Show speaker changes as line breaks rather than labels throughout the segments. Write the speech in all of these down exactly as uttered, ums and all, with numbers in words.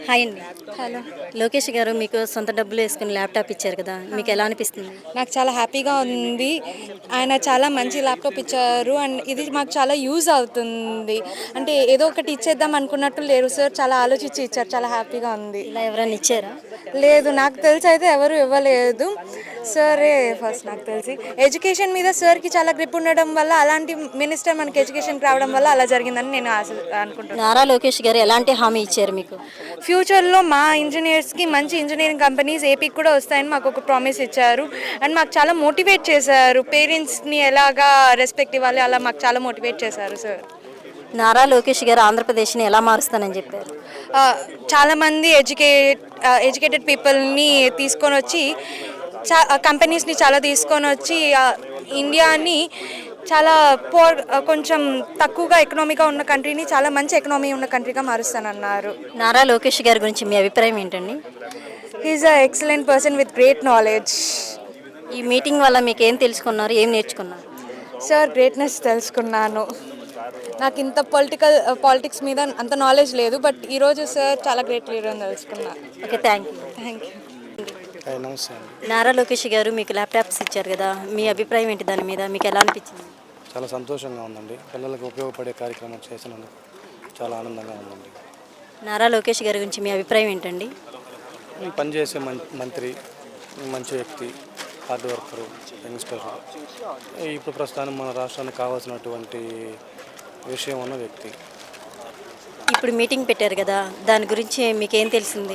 Hi అండి.
Hello.
Lokesh గారు మీకు సొంత డబ్బులు వేసుకుని ల్యాప్టాప్ ఇచ్చారు కదా, మీకు ఎలా అనిపిస్తుంది?
నాకు చాలా హ్యాపీగా ఉంది. ఆయన చాలా మంచి ల్యాప్టాప్ ఇచ్చారు అండ్ ఇది మాకు చాలా యూజ్ అవుతుంది. అంటే ఏదో ఒకటి ఇచ్చేద్దాం అనుకున్నట్టు లేరు సార్, చాలా ఆలోచించి ఇచ్చారు. చాలా హ్యాపీగా ఉంది.
ఇలా ఎవరైనా ఇచ్చారా?
లేదు, నాకు తెలిసి అయితే ఎవరు ఇవ్వలేదు. సరే ఫస్ట్ నాకు తెలిసి ఎడ్యుకేషన్ మీద సార్కి చాలా గ్రిప్ ఉండడం వల్ల అలాంటి మినిస్టర్ మనకి ఎడ్యుకేషన్కి రావడం వల్ల అలా జరిగిందని నేను ఆశ అనుకుంటున్నాను.
నారా లోకేష్ గారు ఎలాంటి హామీ ఇచ్చారు మీకు?
ఫ్యూచర్లో మా ఇంజనీర్స్కి మంచి ఇంజనీరింగ్ కంపెనీస్ ఏపీకి కూడా వస్తాయని మాకు ఒక ప్రామిస్ ఇచ్చారు అండ్ మాకు చాలా మోటివేట్ చేశారు. పేరెంట్స్ని ఎలాగా రెస్పెక్ట్ ఇవ్వాలి అలా మాకు చాలా మోటివేట్ చేశారు సార్.
నారా లోకేష్ గారు ఆంధ్రప్రదేశ్ని ఎలా మారుస్తానని చెప్పారు?
చాలామంది ఎడ్యుకేట్ ఎడ్యుకేటెడ్ పీపుల్ని తీసుకొని వచ్చి చా కంపెనీస్ని చాలా తీసుకొని వచ్చి ఇండియాని చాలా పోర్ కొంచెం తక్కువగా ఎకనామీగా ఉన్న కంట్రీని చాలా మంచి ఎకనామీ ఉన్న కంట్రీగా మారుస్తానన్నారు.
నారా లోకేష్ గారి గురించి మీ అభిప్రాయం ఏంటండి?
He is a excellent person with great knowledge.
ఈ మీటింగ్ వల్ల మీకు ఏం తెలుసుకున్నారు, ఏం నేర్చుకున్నారు?
సార్ గ్రేట్నెస్ తెలుసుకున్నాను. నాకు ఇంత పొలిటికల్ పాలిటిక్స్ మీద అంత నాలెడ్జ్ లేదు, బట్ ఈరోజు సార్ చాలా గ్రేట్ లీడర్ అని తెలుసుకున్నా.
Okay, thank you.
Thank you.
నమస్తే అండి.
నారా లోకేష్ గారు మీకు ల్యాప్టాప్స్ ఇచ్చారు కదా, మీ అభిప్రాయం ఏంటి దాని మీద? మీకు ఎలా అనిపించింది?
చాలా సంతోషంగా ఉందండి. పిల్లలకు ఉపయోగపడే కార్యక్రమం చేసినందుకు చాలా ఆనందంగా ఉందండి.
నారా లోకేష్ గారి గురించి మీ అభిప్రాయం ఏంటండి?
పనిచేసే మంత్రి, మంచి వ్యక్తి, హార్డ్ వర్కరు, యంగ్స్టర్. ఇప్పుడు ప్రస్తుతానికి మన రాష్ట్రానికి కావాల్సినటువంటి విషయం ఉన్న వ్యక్తి.
ఇప్పుడు మీటింగ్ పెట్టారు కదా, దాని గురించి మీకేం తెలిసింది?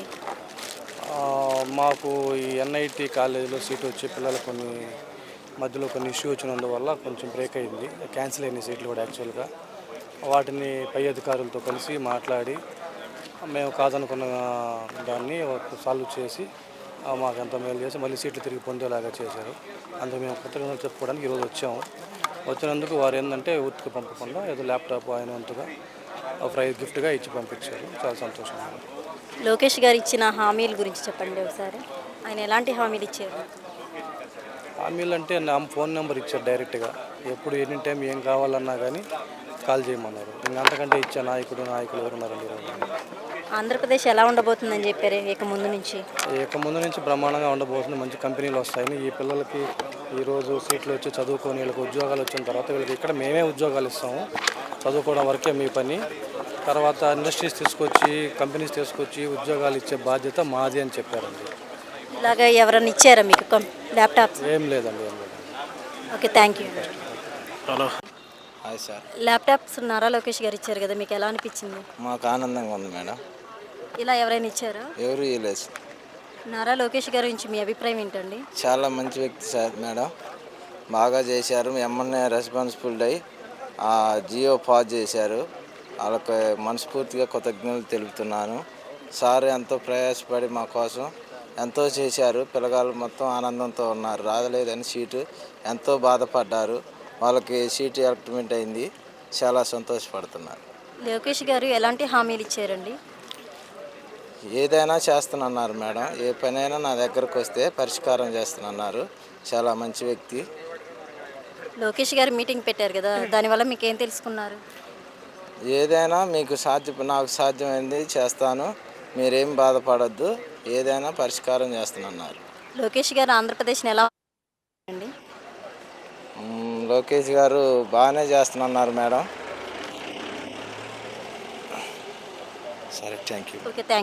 మాకు ఈ ఎన్ఐటి కాలేజీలో సీట్ వచ్చి పిల్లలు కొన్ని మధ్యలో కొన్ని ఇష్యూ వచ్చినందువల్ల కొంచెం బ్రేక్ అయింది. క్యాన్సిల్ అయిన సీట్లు కూడా యాక్చువల్గా వాటిని పై అధికారులతో కలిసి మాట్లాడి మేము కాదనుకున్న దాన్ని సాల్వ్ చేసి మాకు ఎంత మేలు చేసి మళ్ళీ సీట్లు తిరిగి పొందేలాగా చేశారు. అందుకు మేము కృతజ్ఞతలు చెప్పుకోవడానికి ఈరోజు వచ్చాము. వచ్చినందుకు వారు ఏంటంటే ఊరికి పంపకుండా ఏదో ల్యాప్టాప్ ఆయన వంతుగా ఫ్రై గిఫ్ట్గా ఇచ్చి పంపించారు. చాలా సంతోషంగా ఉంది.
లోకేష్ గారు ఇచ్చిన హామీల గురించి చెప్పండి ఒకసారి. ఆయన ఎలాంటి హామీలు ఇచ్చారు?
హామీలు అంటే నా ఫోన్ నెంబర్ ఇచ్చారు డైరెక్ట్గా. ఎప్పుడు ఎనీ టైం ఏం కావాలన్నా కానీ కాల్ చేయమన్నారు. ఇంకా అంతకంటే ఇచ్చే నాయకుడు నాయకులు ఎవరున్నారండి ఈరోజు?
ఆంధ్రప్రదేశ్ ఎలా ఉండబోతుందని చెప్పారు ఇక ముందు నుంచి?
ఇక ముందు నుంచి బ్రహ్మాండంగా ఉండబోతుంది. మంచి కంపెనీలు వస్తాయని ఈ పిల్లలకి ఈరోజు సీట్లు వచ్చి చదువుకొని వీళ్ళకి ఉద్యోగాలు వచ్చిన తర్వాత వీళ్ళకి ఇక్కడ మేమే ఉద్యోగాలు ఇస్తాము. చదువుకోవడం వరకే మీ పని. తర్వాత ఇండస్ట్రీస్ తీసుకొచ్చి కంపెనీస్ తీసుకొచ్చి ఉద్యోగాలు ఇచ్చే బాధ్యత మాది అని చెప్పారండి.
ఇలాగా ఎవరైనా ఇచ్చారా మీకు ల్యాప్టాప్స్?
ఏం లేదండి, ఏం లేదు.
Okay, thank you.
Hello, hi sir.
Laptops Nara Lokesh గారు ఇచ్చారు కదా, మీకు ఎలా అనిపించింది?
మాకు ఆనందంగా ఉంది మేడం.
ఇలా ఎవరైనా ఇచ్చారా?
ఎవరు ఇవ్వలేదు.
నారా లోకేష్ గారి గురించి మీ అభిప్రాయం ఏంటండి?
చాలా మంచి వ్యక్తి సార్ మేడం. బాగా చేశారు. ఎమ్మెల్యే రెస్పాన్సిబుల్ అయ్యి ఆ జియో పాస్ చేశారు. వాళ్ళకి మనస్ఫూర్తిగా కృతజ్ఞతలు తెలుపుతున్నాను. సార్ ఎంతో ప్రయాసపడి మా కోసం ఎంతో చేశారు. పిల్లగాళ్ళు మొత్తం ఆనందంతో ఉన్నారు. రాలేదని సీటు ఎంతో బాధపడ్డారు. వాళ్ళకి సీటు ఎలక్ట్మెంట్ అయింది. చాలా సంతోషపడుతున్నారు.
లోకేష్ గారు ఎలాంటి హామీలు ఇచ్చారండి?
ఏదైనా చేస్తానన్నారు మేడం. ఏ పనైనా నా దగ్గరకు వస్తే పరిష్కారం చేస్తానన్నారు. చాలా మంచి వ్యక్తి.
లోకేష్ గారు మీటింగ్ పెట్టారు కదా, దానివల్ల మీకు ఏం తెలుసుకున్నారు?
ఏదైనా మీకు సాధ్య నాకు సాధ్యమైంది చేస్తాను, మీరేం బాధపడద్దు, ఏదైనా పరిష్కారం చేస్తానన్నారు.
లోకేష్ గారు ఆంధ్రప్రదేశ్ని ఎలా అండి?
లోకేష్ గారు బాగానే చేస్తున్నారు మేడం. సరే, thank you.
Okay, thank you.